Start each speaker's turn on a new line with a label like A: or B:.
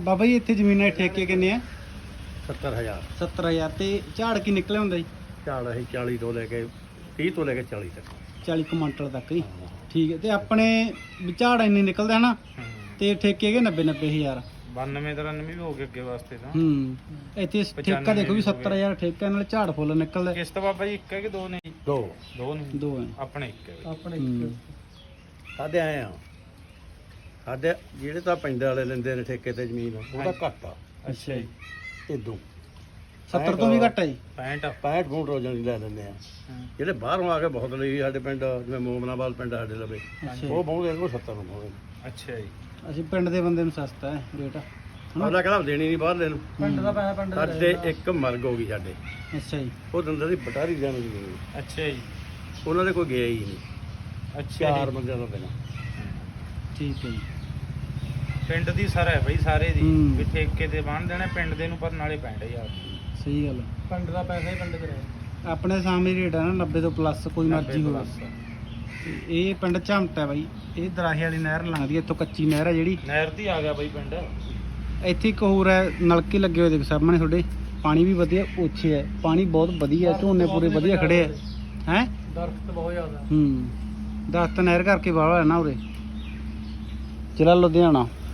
A: ਬਾਬਾ ਜੀ ਇੱਥੇ ਜ਼ਮੀਨਾਂ ਦੇ ਠੇਕੇ ਕਿੰਨੇ ਆ?
B: 70000
A: 70000 ਤੇ ਝਾੜ ਕੀ ਨਿਕਲਿਆ ਹੁੰਦਾ ਜੀ?
B: ਝਾੜ ਅਸੀਂ 40 ਤੋਂ ਲੈ ਕੇ 30 ਤੋਂ ਲੈ ਕੇ 40 ਤੱਕ
A: 40 ਕੁਇੰਟਲ ਤੱਕ ਹੀ। ਠੀਕ ਹੈ। ਤੇ ਆਪਣੇ ਵੀ ਝਾੜ ਇੰਨੇ ਨਿਕਲਦੇ ਹਨਾ ਤੇ ਠੇਕੇ ਕੇ 90-90000
C: 92-93 ਵੀ ਹੋ ਗਏ ਅੱਗੇ ਵਾਸਤੇ ਤਾਂ।
A: ਇੱਥੇ ਠੇਕਾ ਦੇਖੋ ਵੀ 70000 ਠੇਕਾ ਨਾਲ ਝਾੜ ਫੁੱਲ ਨਿਕਲਦਾ।
C: ਕਿਸ਼ਤ ਬਾਬਾ ਜੀ ਇੱਕ ਹੈ ਕਿ ਦੋ ਨੇ?
B: ਦੋ
C: ਨੇ
A: ਦੋ ਹੈ
C: ਆਪਣੇ ਇੱਕ ਹੈ।
A: ਆਪਣੇ
B: ਸਾਡੇ ਆਏ ਆ ਸਾਡੇ ਜਿਹੜੇ ਤਾਂ ਪਿੰਡ ਵਾਲੇ ਲੈਂਦੇ ਨੇ ਠੇਕੇ ਤੇ ਜ਼ਮੀਨ ਉਹਦਾ ਘੱਟ ਆ
A: ਅੱਛਾ ਜੀ।
B: ਇਦੋਂ
A: 70 ਤੋਂ ਵੀ ਘੱਟ ਹੈ ਜੀ।
C: 65
B: ਫੁੱਟ ਰੋਜ਼ਾਂ ਦੀ ਲੈ ਲੈਂਦੇ ਆ। ਜਿਹੜੇ ਬਾਹਰੋਂ ਆ ਕੇ ਬਹੁਤ ਲਈ ਸਾਡੇ ਪਿੰਡ ਜਿਵੇਂ ਮੋਮਨਾਬਾਦ ਪਿੰਡ ਸਾਡੇ ਲਵੇ ਉਹ ਬਹੁਤ ਇਹਨੂੰ 70 ਨੂੰ ਬਹੁਤ।
C: ਅੱਛਾ ਜੀ।
A: ਅਸੀਂ ਪਿੰਡ ਦੇ ਬੰਦੇ ਨੂੰ ਸਸਤਾ ਹੈ ਰੇਟ।
B: ਅਗਲਾ ਕਹਿੰਦਾ ਦੇਣੀ ਨਹੀਂ ਬਾਹਰਲੇ ਨੂੰ।
A: ਪਿੰਡ ਦਾ ਪੈਸਾ ਪਿੰਡ ਦਾ।
B: ਸਾਡੇ ਇੱਕ ਮਰਗ ਹੋ ਗਈ ਸਾਡੇ।
A: ਅੱਛਾ ਜੀ।
B: ਉਹ ਦੰਦਾਂ ਦੀ ਬਟਾਰੀ ਜਾਣ ਦੀ ਨਹੀਂ।
C: ਅੱਛਾ ਜੀ।
B: ਉਹਨਾਂ ਦੇ ਕੋਈ ਗਿਆ ਹੀ ਨਹੀਂ।
C: ਅੱਛਾ
B: 4 ਬੰਦਿਆਂ ਤੋਂ ਬਿਨਾਂ।
A: ਠੀਕ ਹੈ ਜੀ।
C: ਪਿੰਡ ਦੀ ਸਰ ਹੈ ਬਈ ਸਾਰੇ ਦੀ
A: ਹੂੰ।
C: ਵੀ ਠੇਕੇ ਤੇ ਬੰਨ ਦੇਣਾ ਪਿੰਡ ਦੇ ਨੂੰ ਪਰ ਨਾਲੇ 65000
A: ਸਹੀ ਗੱਲ ਹੈ।
C: ਪਿੰਡ ਦਾ ਪੈਸਾ ਹੀ ਪਿੰਡ 'ਚ ਰਹੇ।
A: ਆਪਣੇ ਸਾਹਮਣੇ ਰੇਟ ਹੈ ਨਾ 90 ਤੋਂ ਪਲੱਸ ਕੋਈ ਮਰਜ਼ੀ ਹੋਵੇ। ਇਹ ਪਿੰਡ ਝਮਟ ਹੈ ਬਾਈ। ਇਹ ਦਰਾਹੇ ਵਾਲੀ ਨਹਿਰ ਲੰਘਦੀ ਹੈ ਇੱਥੋਂ ਕੱਚੀ ਨਹਿਰ ਹੈ ਜਿਹੜੀ।
C: ਨਹਿਰ ਦੀ ਆ ਗਿਆ ਬਈ ਪਿੰਡ।
A: ਇੱਥੇ ਇੱਕ ਹੋਰ ਹੈ ਨਲਕੇ ਲੱਗੇ ਹੋਏ ਦੇਖ ਸਾਹਮਣੇ ਤੁਹਾਡੇ। ਪਾਣੀ ਵੀ ਵਧੀਆ ਉੱਚੇ ਹੈ। ਪਾਣੀ ਬਹੁਤ ਵਧੀਆ ਝੋਨੇ ਪੂਰੇ ਵਧੀਆ ਖੜੇ ਹੈ। ਹੈ
C: ਦਰਖਤ ਬਹੁਤ ਜ਼ਿਆਦਾ।
A: ਦਰਖਤ ਨਹਿਰ ਕਰਕੇ ਵਾਹਵਾ ਹੈ ਨਾ ਉਰੇ। ਜ਼ਿਲ੍ਹਾ ਲੁਧਿਆਣਾ।